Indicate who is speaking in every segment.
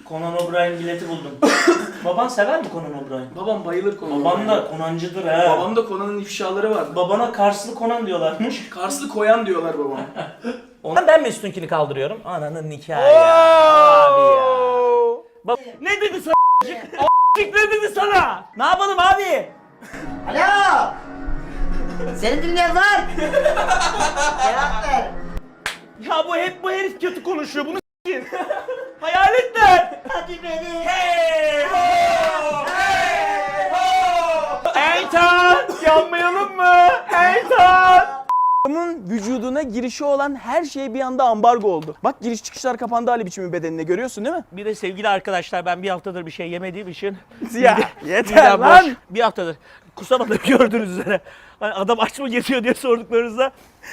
Speaker 1: Conan O'Brien bileti buldum. Baban sever mi Conan O'Brien?
Speaker 2: Babam bayılır Conan.
Speaker 1: Baban da Conancıdır he.
Speaker 2: Babam da Conan'ın ifşaları vardı.
Speaker 1: Babana Karslı Conan diyorlarmış.
Speaker 2: Karslı koyan diyorlar babama.
Speaker 1: Ondan ben mi üstünkini kaldırıyorum? Ananın nikahı ya. Abi ya. Ne dedi sana ne dedi sana? Ne yapalım abi?
Speaker 3: Alo! Seni dinleyen var. Cevap ver.
Speaker 1: Ya bu herif kötü konuşuyor bunu s**in. Hayaletler.
Speaker 3: Hadi beni.
Speaker 1: Hey ho! Hey ho! Eytan! Yanmayalım mı? Eytan!
Speaker 4: Adamın vücuduna girişi olan her şey bir anda ambargo oldu. Bak giriş çıkışlar kapandı Ali biçimi bedenine görüyorsun değil mi?
Speaker 1: Bir de sevgili arkadaşlar ben bir haftadır bir şey yemediğim için
Speaker 4: Ya yeter
Speaker 1: midem
Speaker 4: lan.
Speaker 1: boş. Bir haftadır kusamadım gördüğünüz üzere. Hani adam aç mı geziyor diye sorduklarınızda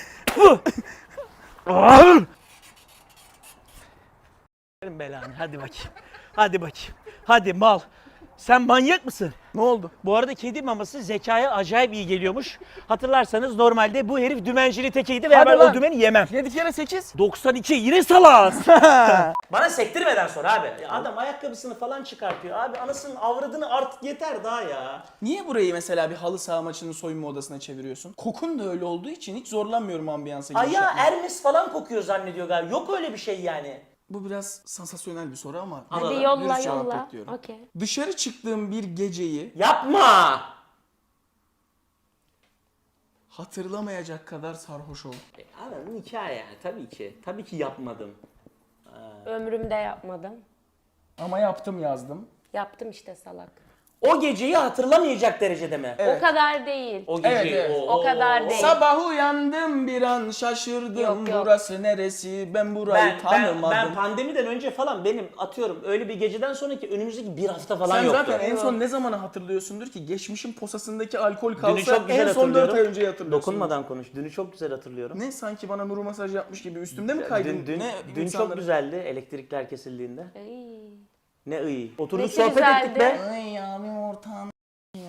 Speaker 1: belanı hadi bakayım. Hadi bakayım. Hadi mal. Sen manyak mısın?
Speaker 4: Ne oldu?
Speaker 1: Bu arada kedi maması zekaya acayip iyi geliyormuş. Hatırlarsanız normalde bu herif dümencili tekeydi ve
Speaker 4: Hadi
Speaker 1: ben
Speaker 4: lan.
Speaker 1: o dümeni yemem.
Speaker 4: 7 kere 8.
Speaker 1: 92 yine salaz. Bana sektirmeden sonra abi. Ya adam ayakkabısını falan çıkartıyor. Abi anasının avradını artık yeter daha ya.
Speaker 4: Niye burayı mesela bir halı saha maçının soyunma odasına çeviriyorsun? Kokun da öyle olduğu için hiç zorlanmıyorum ambiyansa giriş
Speaker 1: Ayağı
Speaker 4: yapmaya.
Speaker 1: Hermes falan kokuyor zannediyor galiba. Yok öyle bir şey yani.
Speaker 4: Bu biraz sansasyonel bir soru ama
Speaker 1: Hadi
Speaker 4: dürüst
Speaker 5: yolla
Speaker 4: cevap
Speaker 5: yolla.
Speaker 4: bekliyorum.
Speaker 5: Okey.
Speaker 4: Dışarı çıktığım bir geceyi
Speaker 1: Yapma.
Speaker 4: hatırlamayacak kadar sarhoş oldum.
Speaker 1: Abi hikaye yani tabii ki. Tabii ki yapmadım.
Speaker 5: Ömrümde yapmadım.
Speaker 4: Ama yaptım yazdım.
Speaker 5: Yaptım işte salak.
Speaker 1: O geceyi hatırlamayacak derecede mi?
Speaker 4: Evet.
Speaker 5: O kadar değil.
Speaker 1: O geceyi.
Speaker 4: Evet, evet.
Speaker 5: O kadar değil.
Speaker 4: Sabah uyandım bir an şaşırdım.
Speaker 5: Yok, yok.
Speaker 4: Burası neresi? Ben burayı tanımadım.
Speaker 1: Ben pandemiden önce falan benim atıyorum öyle bir geceden sonraki önümüzdeki bir hafta falan
Speaker 4: Sen
Speaker 1: yoktu.
Speaker 4: zaten en son ne zamanı hatırlıyorsundur ki geçmişin posasındaki alkol kalsa
Speaker 1: Dünü çok güzel
Speaker 4: en son 4 ay
Speaker 1: hatırlıyorum.
Speaker 4: önce hatırlıyorsun.
Speaker 1: Dokunmadan konuş. Dünü çok güzel hatırlıyorum.
Speaker 4: Ne sanki bana nuru masaj yapmış gibi üstümde mi kaydın?
Speaker 1: Dün
Speaker 4: ne
Speaker 1: çok
Speaker 4: insanları-
Speaker 1: güzeldi elektrikler kesildiğinde.
Speaker 5: Ay.
Speaker 1: Ne iyi. Oturduk
Speaker 5: Nesi
Speaker 1: sohbet
Speaker 5: güzeldi?
Speaker 1: ettik be.
Speaker 4: Ay abim ortağım ya.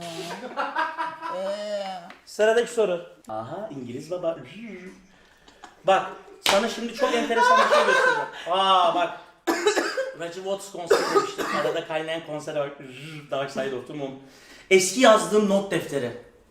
Speaker 1: Sıradaki soru. Aha İngiliz baba. Bak sana şimdi çok enteresan bir şey göstereceğim. Aa bak. Roger Waters konseri demiştim. Arada kaynayan konser var. Dark Side of the Moon. Eski yazdığım not defteri.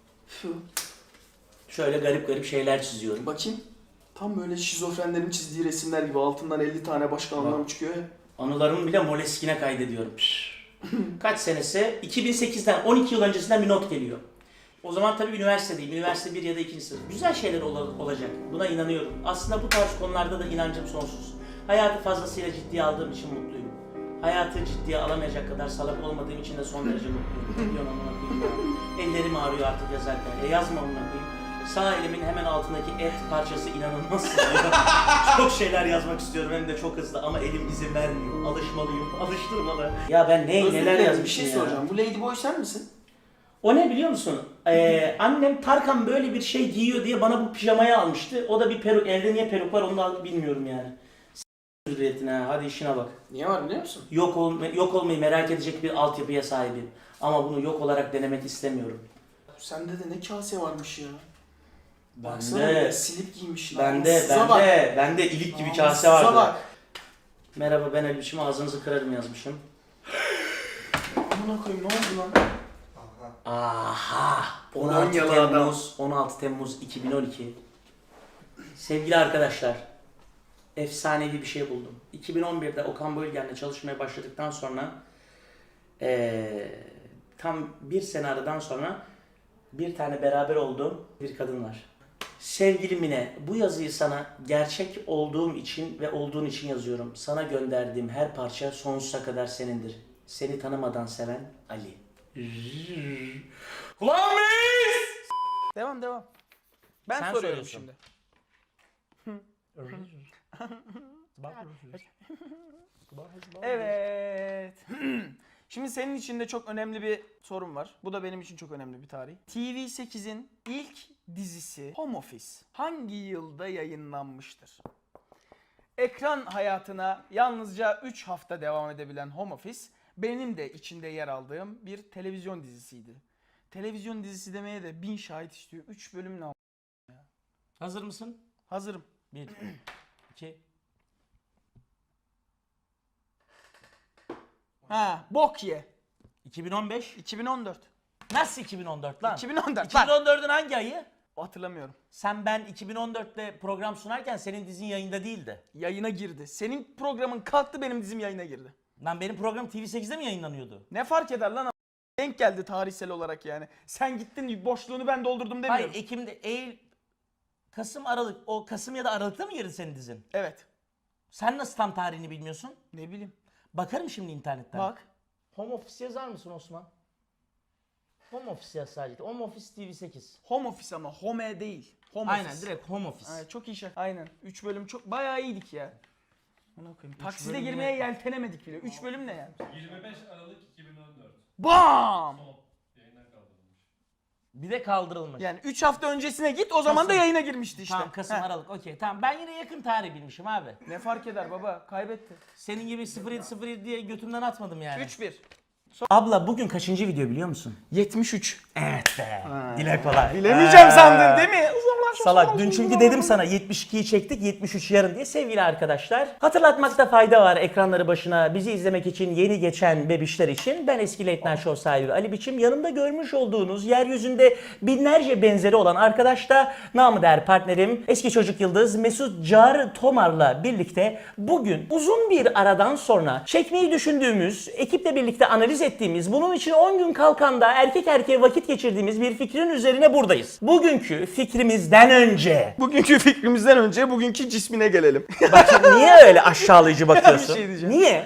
Speaker 1: Şöyle garip garip şeyler çiziyorum.
Speaker 2: Bakayım. Tam böyle şizofrenlerin çizdiği resimler gibi altından 50 tane başka anlam çıkıyor ya.
Speaker 1: Anılarımı bile Moleskine kaydediyorum. Kaç senesi? 2008'den 12 yıl öncesinden bir not geliyor. O zaman tabii üniversitedeyim. Üniversite 1 ya da 2. sınıf. Güzel şeyler olacak. Buna inanıyorum. Aslında bu tarz konularda da inancım sonsuz. Hayatı fazlasıyla ciddiye aldığım için mutluyum. Hayatı ciddiye alamayacak kadar salak olmadığım için de son derece mutluyum. Ne diyorsun amına koyayım ya? Ellerim ağrıyor artık yazarken. Yazma amına koyayım. Sağ elimin hemen altındaki et parçası inanılmaz sızlıyor. Çok şeyler yazmak istiyorum hem de çok hızlı ama elim izin vermiyor. Alışmalıyım, alıştırmalı. Ya ben neler
Speaker 2: Bir
Speaker 1: yazmışım
Speaker 2: şey
Speaker 1: ya.
Speaker 2: soracağım. Bu Ladyboy sen misin?
Speaker 1: O ne biliyor musun? Annem Tarkan böyle bir şey giyiyor diye bana bu pijamayı almıştı. O da bir peruk. Evde niye peruk var onu da bilmiyorum yani. Hürriyetine hadi işine bak.
Speaker 2: Niye var biliyor musun?
Speaker 1: Yok olmayı merak edecek bir altyapıya sahibim. Ama bunu yok olarak denemek istemiyorum.
Speaker 2: Sende de ne kase varmış ya.
Speaker 1: Bende-
Speaker 2: Baksana ya, silip giymiş.
Speaker 1: Bende ilik gibi kase
Speaker 2: Namussuza
Speaker 1: vardı.
Speaker 2: bak.
Speaker 1: Merhaba ben Elbişim ağzınızı kırarım yazmışım.
Speaker 2: Amına koyayım ne oldu lan?
Speaker 1: Aha! 16
Speaker 2: Polonyalı adam.
Speaker 1: Temmuz, 16 Temmuz 2012. Sevgili arkadaşlar, efsanevi bir şey buldum. 2011'de Okan Bölgen'le çalışmaya başladıktan sonra tam bir sene aradan sonra bir tane beraber olduğum bir kadın var. Sevgili Mine, bu yazıyı sana gerçek olduğum için ve olduğun için yazıyorum. Sana gönderdiğim her parça sonsuza kadar senindir. Seni tanımadan seven Ali. Ulan biz!
Speaker 4: Devam. Ben
Speaker 1: Sen
Speaker 4: soruyorum
Speaker 1: soruyorsun.
Speaker 4: şimdi. Evet. Şimdi senin için de çok önemli bir sorum var. Bu da benim için çok önemli bir tarih. TV8'in ilk dizisi Home Office hangi yılda yayınlanmıştır? Ekran hayatına yalnızca 3 hafta devam edebilen Home Office benim de içinde yer aldığım bir televizyon dizisiydi. Televizyon dizisi demeye de 1000 şahit istiyor. 3 bölüm ne?
Speaker 1: Hazır mısın?
Speaker 4: Hazırım.
Speaker 1: 1, 2.
Speaker 4: Ha, bok ye.
Speaker 1: 2015.
Speaker 4: 2014.
Speaker 1: Nasıl 2014 lan?
Speaker 4: 2014 lan.
Speaker 1: 2014'ün hangi ayı?
Speaker 4: Hatırlamıyorum.
Speaker 1: Ben 2014'te program sunarken senin dizin yayında değildi.
Speaker 4: Yayına girdi. Senin programın kalktı, benim dizim yayına girdi.
Speaker 1: Lan benim program TV8'de mi yayınlanıyordu?
Speaker 4: Ne fark eder lan? Denk geldi tarihsel olarak yani. Sen gittin, boşluğunu ben doldurdum demiyorum.
Speaker 1: Hayır, Ekim'de, Kasım, Aralık. O Kasım ya da Aralık'ta mı girdi senin dizin?
Speaker 4: Evet.
Speaker 1: Sen nasıl tam tarihini bilmiyorsun?
Speaker 4: Ne bileyim.
Speaker 1: Bakarım şimdi internetten.
Speaker 4: Bak.
Speaker 1: Home Office yazar mısın Osman? Home Office yaz sadece. Home Office TV8.
Speaker 4: Home office ama home değil. Home
Speaker 1: Aynen,
Speaker 4: office.
Speaker 1: direkt Home Office.
Speaker 4: Aynen, çok iyi şey. Aynen. 3 bölüm çok bayağı iyiydik ya. Ona koyayım. Takside
Speaker 1: bölüm
Speaker 4: girmeye
Speaker 1: ne?
Speaker 4: yeltenemedik bile. 3 bölüm ne yani?
Speaker 6: 25 Aralık 2014.
Speaker 4: Bam!
Speaker 6: Son yayına kaldırılmış.
Speaker 1: Bir de kaldırılmış.
Speaker 4: Yani 3 hafta öncesine git, o zaman da
Speaker 1: Kasım.
Speaker 4: yayına girmişti işte.
Speaker 1: Tamam, Kasım,
Speaker 4: Heh.
Speaker 1: Aralık. Okey, tamam. Ben yine yakın tarih bilmişim abi.
Speaker 4: Ne fark eder baba? Kaybetti.
Speaker 1: Senin gibi 0707 diye götümden atmadım yani.
Speaker 4: 3-1.
Speaker 1: Abla bugün kaçıncı video biliyor musun?
Speaker 4: 73.
Speaker 1: Evet be. Dile kolay.
Speaker 4: Bilemeyeceğim sandın değil mi?
Speaker 1: Salak. Dün çünkü dedim sana 72'yi çektik, 73 yarın diye sevgili arkadaşlar. Hatırlatmakta fayda var ekranları başına bizi izlemek için yeni geçen bebişler için. Ben eski Late Night Show sahibi Ali Biçim. Yanımda görmüş olduğunuz yeryüzünde binlerce benzeri olan arkadaş da namı değer partnerim eski çocuk yıldız Mesut Car Tomar'la birlikte bugün uzun bir aradan sonra çekmeyi düşündüğümüz, ekiple birlikte analiz ettiğimiz, bunun için 10 gün kalkanda erkek erkeğe vakit geçirdiğimiz bir fikrin üzerine buradayız. Bugünkü fikrimizden önce...
Speaker 4: Bugünkü fikrimizden önce bugünkü cismine gelelim.
Speaker 1: Bak niye öyle aşağılayıcı bakıyorsun?
Speaker 4: Bir şey diyeceğim.
Speaker 1: Niye?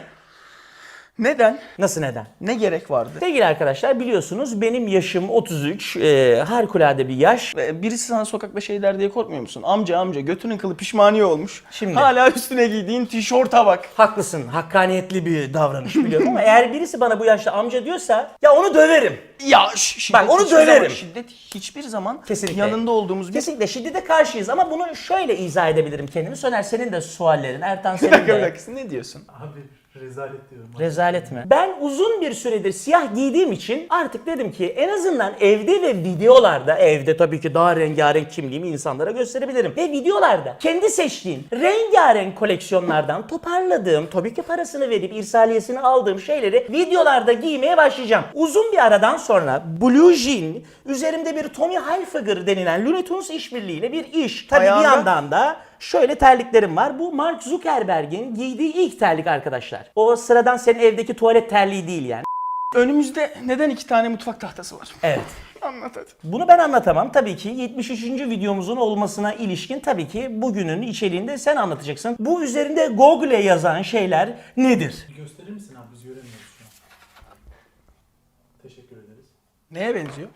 Speaker 4: Neden?
Speaker 1: Nasıl neden?
Speaker 4: Ne gerek vardı?
Speaker 1: Sevgili arkadaşlar biliyorsunuz benim yaşım 33, harikulade bir yaş.
Speaker 4: Birisi sana sokakta şey der diye korkmuyor musun? Amca götünün kılı pişmaniye olmuş.
Speaker 1: Şimdi.
Speaker 4: Hala üstüne giydiğin tişörte bak.
Speaker 1: Haklısın, hakkaniyetli bir davranış biliyorum ama eğer birisi bana bu yaşta amca diyorsa ya onu döverim.
Speaker 4: Ya şiddet
Speaker 1: Bak, onu
Speaker 4: hiçbir zaman-
Speaker 1: döverim.
Speaker 4: şiddet hiçbir zaman
Speaker 1: Kesinlikle.
Speaker 4: yanında olduğumuz bir...
Speaker 1: Kesinlikle şiddete karşıyız ama bunu şöyle izah edebilirim kendimi. Soner senin de suallerin, Ertan
Speaker 4: Bir
Speaker 1: senin
Speaker 4: dakika bir
Speaker 1: de.
Speaker 4: dakika, ne diyorsun?
Speaker 6: Abi rezalet diyorum.
Speaker 1: Rezalet mi? Ben uzun bir süredir siyah giydiğim için artık dedim ki en azından evde ve videolarda, evde tabii ki daha rengarenk kimliğimi insanlara gösterebilirim. Ve videolarda kendi seçtiğim rengarenk koleksiyonlardan toparladığım, tabii ki parasını verip irsaliyesini aldığım şeyleri videolarda giymeye başlayacağım. Uzun bir aradan sonra Blue Jean, üzerimde bir Tommy Hilfiger denilen Looney Tunes işbirliğiyle bir iş. Tabii
Speaker 4: Ayağında-
Speaker 1: bir yandan da şöyle terliklerim var. Bu Mark Zuckerberg'in giydiği ilk terlik arkadaşlar. O sıradan senin evdeki tuvalet terliği değil yani.
Speaker 4: Önümüzde neden 2 tane mutfak tahtası var?
Speaker 1: Evet.
Speaker 4: Anlat hadi.
Speaker 1: Bunu ben anlatamam. Tabii ki 73. videomuzun olmasına ilişkin tabii ki bugünün içeriğinde sen anlatacaksın. Bu üzerinde Google yazan şeyler nedir?
Speaker 6: Gösterir misin abi, biz göremiyoruz şu an. Teşekkür ederiz.
Speaker 4: Neye benziyor?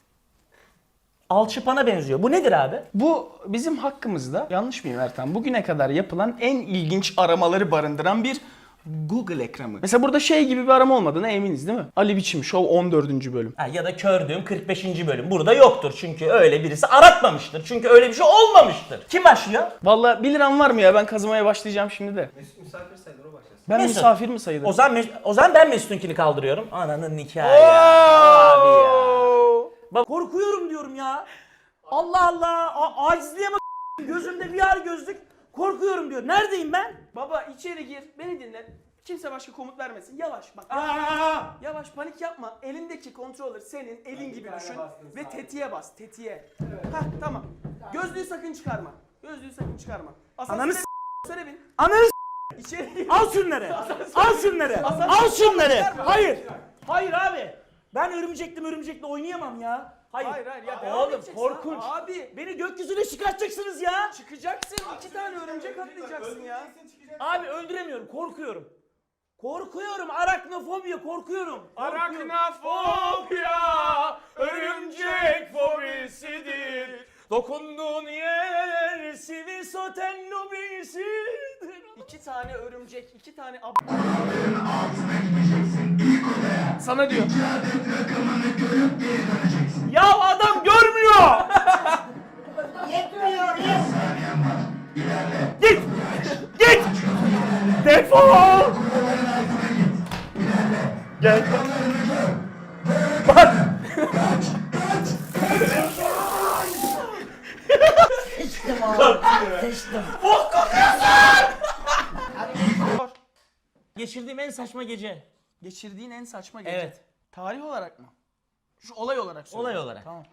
Speaker 1: Alçıpana benziyor. Bu nedir abi?
Speaker 4: Bu bizim hakkımızda, yanlış mıyım Ertan? Bugüne kadar yapılan en ilginç aramaları barındıran bir Google ekranı. Mesela burada şey gibi bir arama olmadığına eminiz değil mi? Ali Biçim Show 14. bölüm.
Speaker 1: Ha, ya da Kördüğüm 45. bölüm. Burada yoktur çünkü öyle birisi aratmamıştır. Çünkü öyle bir şey olmamıştır. Kim başlıyor?
Speaker 4: Vallahi 1 liram var mı ya? Ben kazımaya başlayacağım şimdi de.
Speaker 6: Misafir sayılır, o başlasın.
Speaker 4: Ben
Speaker 1: Mesut.
Speaker 4: misafir mi sayılırım?
Speaker 1: O zaman ben Mesut'unkini kaldırıyorum. Ananın nikahı ya. Abi ya. Bak korkuyorum diyorum ya. Allah Allah. Acizliğe bak. Gözümde VR gözlük. Korkuyorum diyor. Neredeyim ben?
Speaker 4: Baba içeri gir, beni dinle. Kimse başka komut vermesin. Yavaş bak. Yavaş, panik yapma. Elindeki controller senin elin gibi düşün ve tetiğe bas, tetiğe. Hah, tamam. Gözlüğü sakın çıkarma. Gözlüğü sakın çıkarma.
Speaker 1: Ananı
Speaker 4: Asansöre bin.
Speaker 1: Ananı
Speaker 4: İçeri gir.
Speaker 1: al şunları. Al şunları. Al şunları. Hayır. Hayır abi. Ben örümcekle oynayamam ya.
Speaker 4: Hayır ya. devam
Speaker 1: Oğlum
Speaker 4: edeceksin.
Speaker 1: korkunç.
Speaker 4: Abi
Speaker 1: Beni gökyüzüne çıkartacaksınız ya.
Speaker 4: çıkacaksın. 2 tane örümcek atlayacaksın ya.
Speaker 1: Abi öldüremiyorum. Korkuyorum. Korkuyorum. Araknofobiya korkuyorum.
Speaker 4: Araknafobia örümcek fobisidir.
Speaker 1: Dokunduğun yer sivil soten lobisidir.
Speaker 4: 2 tane örümcek, 2 tane sana diyor.
Speaker 1: Ya adam görmüyor.
Speaker 3: Yetmiyor.
Speaker 1: Git. Git. Defol. Gel. Bak.
Speaker 3: Sıçtım oğlum. Sıçtım.
Speaker 1: Geçirdiğim en saçma gece.
Speaker 4: Geçirdiğin en saçma gece.
Speaker 1: Evet.
Speaker 4: Tarih olarak mı? Şu olay olarak söyle.
Speaker 1: Olay olarak.
Speaker 4: Tamam.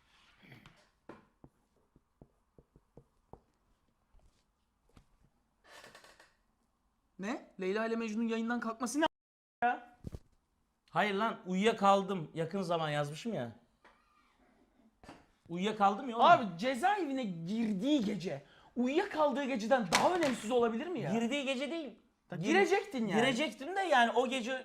Speaker 4: Ne? Leyla ile Mecnun yayından kalkması ne?
Speaker 1: Hayır lan uyuyakaldım. Yakın zaman yazmışım ya. Uyuyakaldım ya oğlum.
Speaker 4: Abi cezaevine girdiği gece, uyuyakaldığı geceden daha önemsiz olabilir mi ya?
Speaker 1: Girdiği gece değil.
Speaker 4: Girecektin yani.
Speaker 1: Girecektim de yani o gece...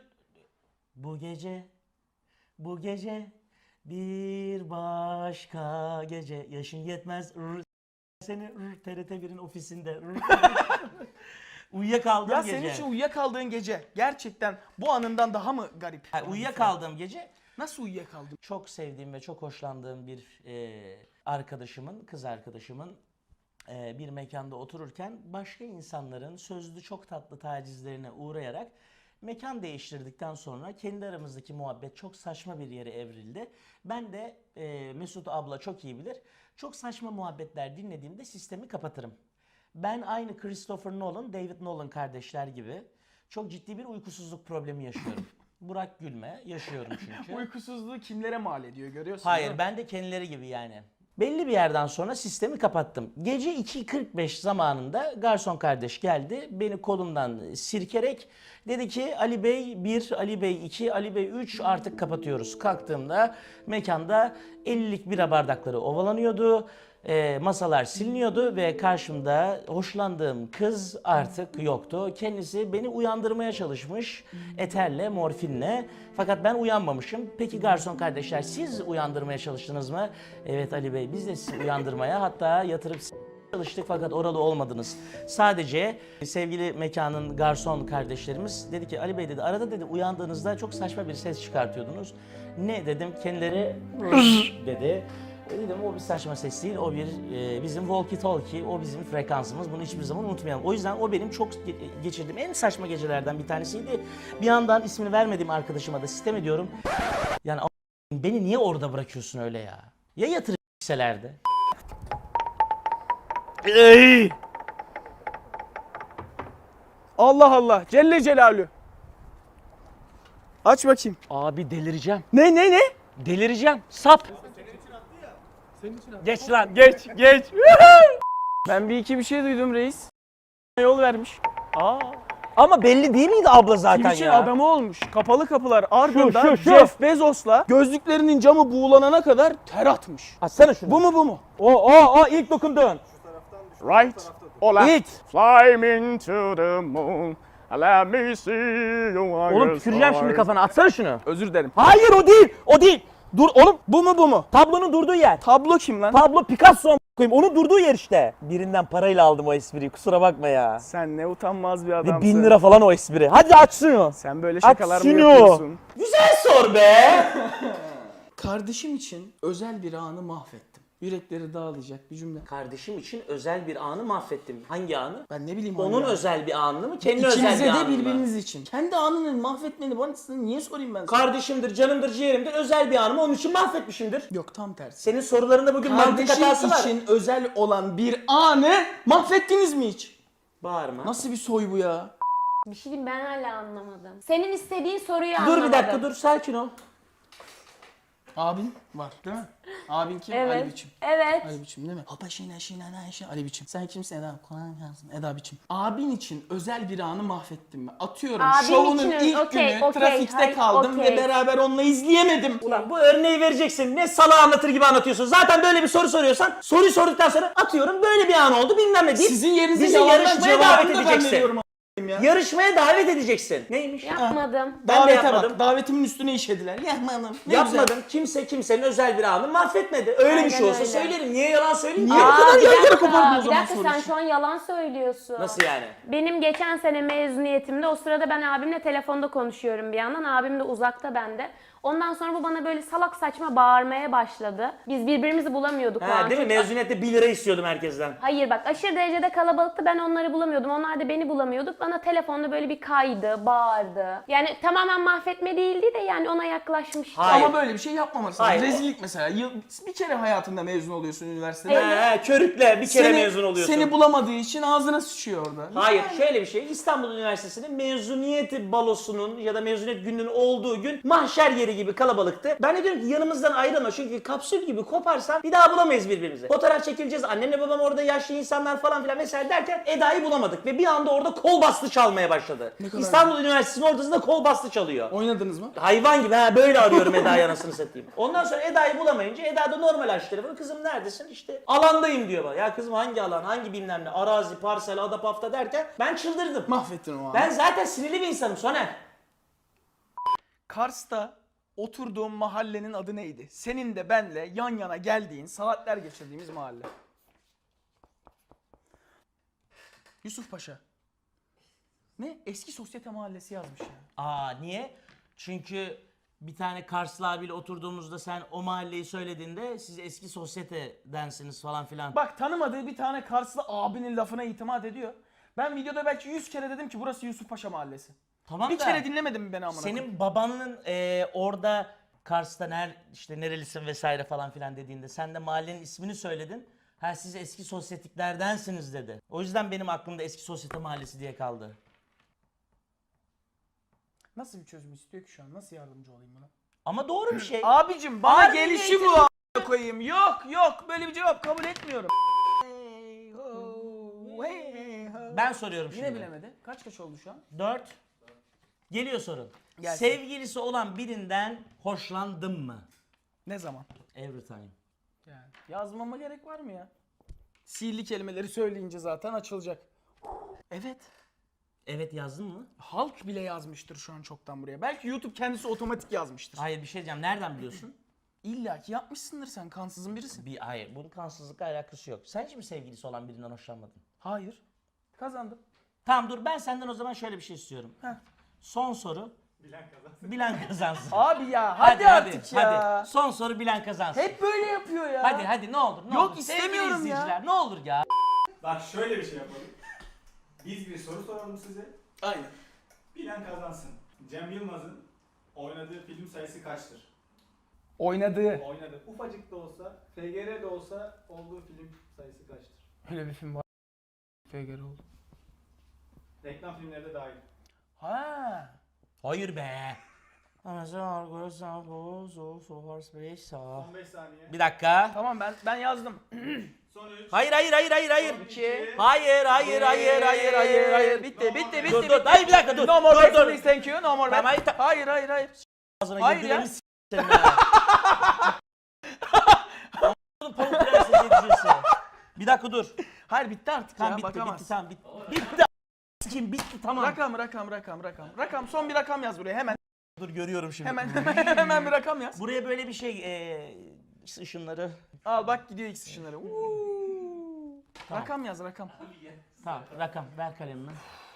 Speaker 1: Bu gece bir başka gece. Yaşın yetmez. Seni TRT 1'in ofisinde. Uyuyakaldığım
Speaker 4: Ya
Speaker 1: gece.
Speaker 4: senin için uyuyakaldığın gece gerçekten bu anından daha mı garip?
Speaker 1: Yani uyuyakaldığım gece
Speaker 4: Nasıl uyuyakaldın?
Speaker 1: çok sevdiğim ve çok hoşlandığım bir arkadaşımın, kız arkadaşımın bir mekanda otururken başka insanların sözlü çok tatlı tacizlerine uğrayarak mekan değiştirdikten sonra kendi aramızdaki muhabbet çok saçma bir yere evrildi. Ben de Mesut abla çok iyi bilir. Çok saçma muhabbetler dinlediğimde sistemi kapatırım. Ben aynı Christopher Nolan, David Nolan kardeşler gibi çok ciddi bir uykusuzluk problemi yaşıyorum. Burak gülme, yaşıyorum çünkü.
Speaker 4: Uykusuzluğu kimlere mal ediyor görüyorsun değil
Speaker 1: Hayır,
Speaker 4: mi?
Speaker 1: ben de kendileri gibi yani. Belli bir yerden sonra sistemi kapattım. Gece 2.45 zamanında garson kardeş geldi. Beni kolumdan sirkerek dedi ki Ali Bey 1, Ali Bey 2, Ali Bey 3 artık kapatıyoruz. Kalktığımda mekanda 50'lik bira bardakları ovalanıyordu. Masalar siliniyordu ve karşımda hoşlandığım kız artık yoktu. Kendisi beni uyandırmaya çalışmış eterle, morfinle. Fakat ben uyanmamışım. Peki garson kardeşler siz uyandırmaya çalıştınız mı? Evet Ali Bey biz de sizi uyandırmaya hatta yatırıp çalıştık fakat oralı olmadınız. Sadece sevgili mekanın garson kardeşlerimiz dedi ki Ali Bey dedi arada dedi uyandığınızda çok saçma bir ses çıkartıyordunuz. Ne dedim kendileri dedi. Dedim o bir saçma ses değil, o bir bizim walkie talkie, o bizim frekansımız. Bunu hiçbir zaman unutmayalım. O yüzden o benim çok geçirdiğim en saçma gecelerden bir tanesiydi. Bir yandan ismini vermediğim arkadaşıma da sitem ediyorum. Yani beni niye orada bırakıyorsun öyle ya? Ya yatırırselerdi?
Speaker 4: Allah Allah Celle Celalü. Aç bakayım.
Speaker 1: Abi delireceğim.
Speaker 4: Ne?
Speaker 1: Delireceğim. Sap.
Speaker 6: Senin için abi.
Speaker 4: Geç lan geç. Ben bir iki bir şey duydum reis. Yol vermiş.
Speaker 7: Ama belli değil miydi abla zaten
Speaker 4: Twitch'in
Speaker 7: ya?
Speaker 4: adamı olmuş. Kapalı kapılar ardından
Speaker 7: şu.
Speaker 4: Jeff Bezos'la gözlüklerinin camı buğulanana kadar ter atmış.
Speaker 7: Açsana şunu.
Speaker 4: Bu mu?
Speaker 7: O ilk dokundun.
Speaker 4: Right. Ola.
Speaker 7: İlk.
Speaker 4: Fly me into the moon. Let me see you.
Speaker 7: Oğlum tüküreceğim şimdi kafana. Atsana şunu.
Speaker 4: Özür dilerim.
Speaker 7: Hayır o değil. Dur oğlum
Speaker 4: Bu mu?
Speaker 7: tablonun durduğu yer.
Speaker 4: Tablo kim lan?
Speaker 7: Pablo Picasso koyayım. Onun durduğu yer işte. Birinden parayla aldım o espriyi. Kusura bakma ya.
Speaker 4: Sen ne utanmaz bir
Speaker 7: Ve
Speaker 4: adamsın.
Speaker 7: 1000 lira falan o espri. Hadi aç şunu.
Speaker 4: Sen böyle
Speaker 7: Aç
Speaker 4: şakalar mı
Speaker 7: şunu.
Speaker 4: yapıyorsun?
Speaker 1: Güzel sor be.
Speaker 4: Kardeşim için özel bir anı mahvettim. Yürekleri dağılacak bir cümle.
Speaker 1: Kardeşim için özel bir anı mahvettim. Hangi anı?
Speaker 4: Ben ne bileyim
Speaker 1: Onun
Speaker 4: ya.
Speaker 1: özel bir anı mı? Kendi özel
Speaker 4: İkinize
Speaker 1: bir
Speaker 4: de
Speaker 1: anı mı?
Speaker 4: birbiriniz için. Kendi anını mahvetmeni bana niye sorayım ben sana?
Speaker 1: Kardeşimdir, canımdır, ciğerimdir. Özel bir anımı onun için mahvetmişimdir.
Speaker 4: Yok tam tersi.
Speaker 1: Senin sorularında bugün mantık hatası
Speaker 4: Kardeşim
Speaker 1: var.
Speaker 4: için özel olan bir anı mahvettiniz mi hiç?
Speaker 1: Bağırma.
Speaker 4: Nasıl bir soy bu ya?
Speaker 5: Bir şey diyeyim ben hala anlamadım. Senin istediğin soruyu
Speaker 1: Dur
Speaker 5: anlamadım.
Speaker 1: bir dakika dur sakin ol.
Speaker 4: Abin var değil mi? Abin kim?
Speaker 5: Evet.
Speaker 4: Ali Biçim.
Speaker 5: Evet.
Speaker 4: Ali Biçim değil mi? Hopa şina Ali Biçim. Sen kimsin Eda? Kolay gelsin. Eda Biçim. Abin için özel bir anı mahvettim mi? Atıyorum
Speaker 5: Abin
Speaker 4: şovunun
Speaker 5: için
Speaker 4: ilk
Speaker 5: okey,
Speaker 4: günü
Speaker 5: okey,
Speaker 4: trafikte
Speaker 5: hayır,
Speaker 4: kaldım
Speaker 5: okey.
Speaker 4: ve beraber onunla izleyemedim.
Speaker 1: Ulan bu örneği vereceksin. Ne salağı anlatır gibi anlatıyorsun. Zaten böyle bir soru soruyorsan soruyu sorduktan sonra atıyorum böyle bir an oldu bilmem ne deyip
Speaker 4: Sizin yerinize
Speaker 1: bizi
Speaker 4: yalandan
Speaker 1: yarışmaya davet
Speaker 4: cevabını da ben
Speaker 1: edeceksin.
Speaker 4: veriyorum a**ayım ya.
Speaker 1: Yarışmaya davet edeceksin. Neymiş?
Speaker 5: Yapmadım.
Speaker 1: Ben de
Speaker 4: Davete
Speaker 1: yapmadım.
Speaker 4: bak. Davetimin üstüne işediler. Yapmadım. Ne
Speaker 1: Yapmadım. Kimse kimsenin özel bir anını mahvetmedi. Öyle bir
Speaker 5: Aynen
Speaker 1: şey olsa
Speaker 5: öyle.
Speaker 1: söylerim. Niye yalan söyleyeyim?
Speaker 4: Niye?
Speaker 1: ki?
Speaker 4: bu kadar
Speaker 5: bir
Speaker 4: yan yana
Speaker 5: dakika,
Speaker 4: kopardın o
Speaker 5: bir
Speaker 4: zaman
Speaker 5: dakika
Speaker 4: soru
Speaker 5: sen
Speaker 4: işi?
Speaker 5: şu an yalan söylüyorsun.
Speaker 1: Nasıl yani?
Speaker 5: Benim geçen sene mezuniyetimde o sırada ben abimle telefonda konuşuyorum bir yandan. Abim de uzakta bende. Ondan sonra bu bana böyle salak saçma bağırmaya başladı. Biz birbirimizi bulamıyorduk o
Speaker 1: Ha,
Speaker 5: an.
Speaker 1: değil mi?
Speaker 5: Çünkü-
Speaker 1: Mezuniyette 1 lira istiyordum herkesten.
Speaker 5: Hayır bak, aşırı derecede kalabalıktı, ben onları bulamıyordum. Onlar da beni bulamıyorduk. Bana telefonda böyle bir kaydı, bağırdı. Yani tamamen mahvetme değildi de yani ona yaklaşmıştı.
Speaker 1: Hayır.
Speaker 4: Ama böyle bir şey yapmaması
Speaker 1: Hayır.
Speaker 4: lazım. Rezillik mesela. Bir kere hayatında mezun oluyorsun üniversitede.
Speaker 1: Körükle bir kere mezun oluyorsun.
Speaker 4: Seni bulamadığı için ağzına sıçıyor orada.
Speaker 1: Hayır, şöyle bir şey. İstanbul Üniversitesi'nin mezuniyet balosunun ya da mezuniyet gününün olduğu gün mahşer yeri gibi kalabalıktı. Ben de diyorum ki yanımızdan ayrılma çünkü kapsül gibi koparsan bir daha bulamayız birbirimizi. Fotoğraf çekileceğiz, annemle babam orada, yaşlı insanlar falan filan vesaire derken Eda'yı bulamadık ve bir anda orada kol bastı çalmaya başladı.
Speaker 4: kadar
Speaker 1: İstanbul Üniversitesi'nin ortasında kol bastı çalıyor.
Speaker 4: Oynadınız mı?
Speaker 1: Hayvan gibi böyle arıyorum Eda'yı, anasını satayım. Ondan sonra Eda'yı bulamayınca Eda da normal açtı telefonu. Kızım neredesin? İşte alandayım diyor bana. Ya kızım hangi alan, hangi bilmem ne, arazi, parsel, ada, pafta derken ben çıldırdım.
Speaker 4: Mahvettin o an.
Speaker 1: Ben zaten sinirli bir insanım Soner.
Speaker 4: Kars'ta oturduğum mahallenin adı neydi? Senin de benle yan yana geldiğin, saatler geçirdiğimiz mahalle. Yusuf Paşa. Ne? Eski sosyete mahallesi yazmış ya.
Speaker 1: Aa niye? Çünkü bir tane Karslı abiyle oturduğumuzda sen o mahalleyi söylediğinde siz eski sosyetedensiniz falan filan.
Speaker 4: Bak, tanımadığı bir tane Karslı abinin lafına itimat ediyor. Ben videoda belki 100 kere dedim ki burası Yusuf Paşa mahallesi.
Speaker 1: Tamam
Speaker 4: Bir
Speaker 1: da
Speaker 4: kere dinlemedin mi beni amına koyayım?
Speaker 1: senin babanın orada Kars'ta işte nerelisin vesaire falan filan dediğinde sen de mahallenin ismini söyledin. Ha siz eski sosyetikerdensiniz dedi. O yüzden benim aklımda eski sosyete mahallesi diye kaldı.
Speaker 4: Nasıl bir çözüm istiyor ki şu an? Nasıl yardımcı olayım buna?
Speaker 1: Ama doğru bir şey.
Speaker 4: Abicim bana
Speaker 1: Harbi
Speaker 4: gelişi bu a**a koyayım. Yok böyle bir cevap kabul etmiyorum.
Speaker 1: Ben soruyorum
Speaker 4: Yine
Speaker 1: şimdi.
Speaker 4: bilemedi. Kaç oldu şu an?
Speaker 1: 4. Geliyor sorun.
Speaker 4: Gelsin.
Speaker 1: Sevgilisi olan birinden hoşlandın mı?
Speaker 4: Ne zaman?
Speaker 1: Every time.
Speaker 4: Yani yazmama gerek var mı ya? Sihirli kelimeleri söyleyince zaten açılacak. Evet.
Speaker 1: Evet yazdın mı?
Speaker 4: Halk bile yazmıştır şu an çoktan buraya. Belki YouTube kendisi otomatik yazmıştır.
Speaker 1: Hayır bir şey diyeceğim. Nereden biliyorsun?
Speaker 4: İlla ki yapmışsındır sen. Kansızın birisin.
Speaker 1: Hayır bunun kansızlıkla alakası yok. Sen hiç mi sevgilisi olan birinden hoşlanmadın?
Speaker 4: Hayır. Kazandım.
Speaker 1: Tamam dur ben senden o zaman şöyle bir şey istiyorum.
Speaker 4: Heh.
Speaker 1: Son soru. Bilen kazansın.
Speaker 4: Abi ya hadi artık ya.
Speaker 1: Hadi. Son soru bilen kazansın.
Speaker 4: Hep böyle yapıyor ya.
Speaker 1: Hadi ne olur ne
Speaker 4: Yok,
Speaker 1: olur.
Speaker 4: istemiyorum
Speaker 1: Sevgili
Speaker 4: ya.
Speaker 1: izleyiciler, ne olur ya.
Speaker 6: Bak şöyle bir şey yapalım. Biz bir soru soralım size.
Speaker 4: Aynen.
Speaker 6: Bilen kazansın. Cem Yılmaz'ın oynadığı film sayısı kaçtır?
Speaker 4: Oynadığı.
Speaker 6: Oynadı. Ufacık da olsa, FGR de olsa olduğu film sayısı kaçtır?
Speaker 4: Öyle bir film var. FGR oldu.
Speaker 6: Reklam filmleri de dahil.
Speaker 4: Ha.
Speaker 1: Hayır be.
Speaker 6: 15 saniye.
Speaker 1: Bir dakika.
Speaker 4: Tamam ben yazdım.
Speaker 6: Son 3.
Speaker 1: Hayır.
Speaker 6: Son 2.
Speaker 1: Hayır.
Speaker 4: Bitti.
Speaker 1: Dur. Hayır bir dakika dur.
Speaker 4: No more
Speaker 1: Dur,
Speaker 4: back
Speaker 1: dur.
Speaker 4: please, thank you. No more
Speaker 1: Tamam,
Speaker 4: back. Hayır.
Speaker 1: Ağzına
Speaker 4: Hayır
Speaker 1: girdilerini
Speaker 4: ya.
Speaker 1: senin ha. Oğlum Pamuk Prenses yetişirse. Bir dakika dur.
Speaker 4: Hayır bitti artık
Speaker 1: Tamam
Speaker 4: ya.
Speaker 1: bitti
Speaker 4: bakamaz.
Speaker 1: tamam bitti. Bitti. Kim bitti tamam.
Speaker 4: Rakam. Rakam. Son bir rakam yaz buraya hemen.
Speaker 1: Dur görüyorum şimdi.
Speaker 4: Hemen bir rakam yaz.
Speaker 1: Buraya böyle bir şey ışınları.
Speaker 4: Al bak gidiyor X ışınları.
Speaker 1: Tamam.
Speaker 4: Rakam yaz rakam.
Speaker 1: Tamam rakam ver kalemini.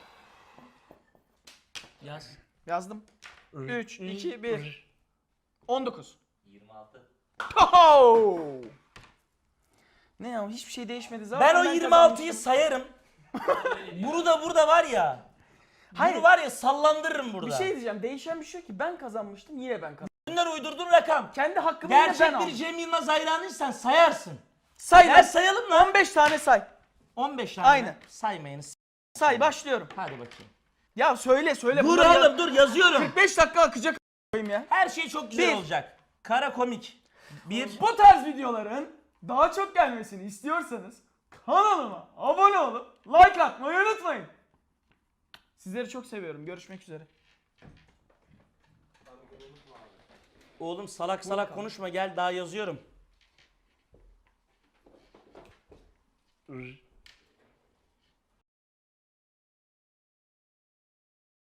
Speaker 1: Yaz.
Speaker 4: Yazdım. 3, 2, 1. 19.
Speaker 1: 26.
Speaker 4: Oho! Ne ya hiçbir şey değişmedi zaten.
Speaker 1: Ben o 26'yı
Speaker 4: kazanmıştım.
Speaker 1: sayarım. Bunu da burada var ya.
Speaker 4: Hayır.
Speaker 1: Bunu var ya sallandırırım burada.
Speaker 4: Bir şey diyeceğim. Değişen bir şey yok ki. Ben kazanmıştım. Yine ben kazandım.
Speaker 1: Bunlar uydurduğun rakam.
Speaker 4: Kendi hakkımı yine ben
Speaker 1: Gerçek bir
Speaker 4: aldım.
Speaker 1: Cem Yılmaz hayranıysan sayarsın.
Speaker 4: Say
Speaker 1: Gel
Speaker 4: lan.
Speaker 1: sayalım lan.
Speaker 4: 15 tane say.
Speaker 1: 15 tane.
Speaker 4: Aynen.
Speaker 1: Saymayın.
Speaker 4: Say başlıyorum.
Speaker 1: Hadi bakayım.
Speaker 4: Ya söyle.
Speaker 1: Dur
Speaker 4: Bunları
Speaker 1: oğlum dur yazıyorum.
Speaker 4: 45 dakika akacak a**ayım ya.
Speaker 1: Her şey çok güzel
Speaker 4: Bir.
Speaker 1: olacak. Kara komik. 1.
Speaker 4: Bu tarz videoların daha çok gelmesini istiyorsanız kanalıma abone olup like atmayı unutmayın. Sizleri çok seviyorum. Görüşmek üzere.
Speaker 1: Oğlum salak konuşma gel daha yazıyorum.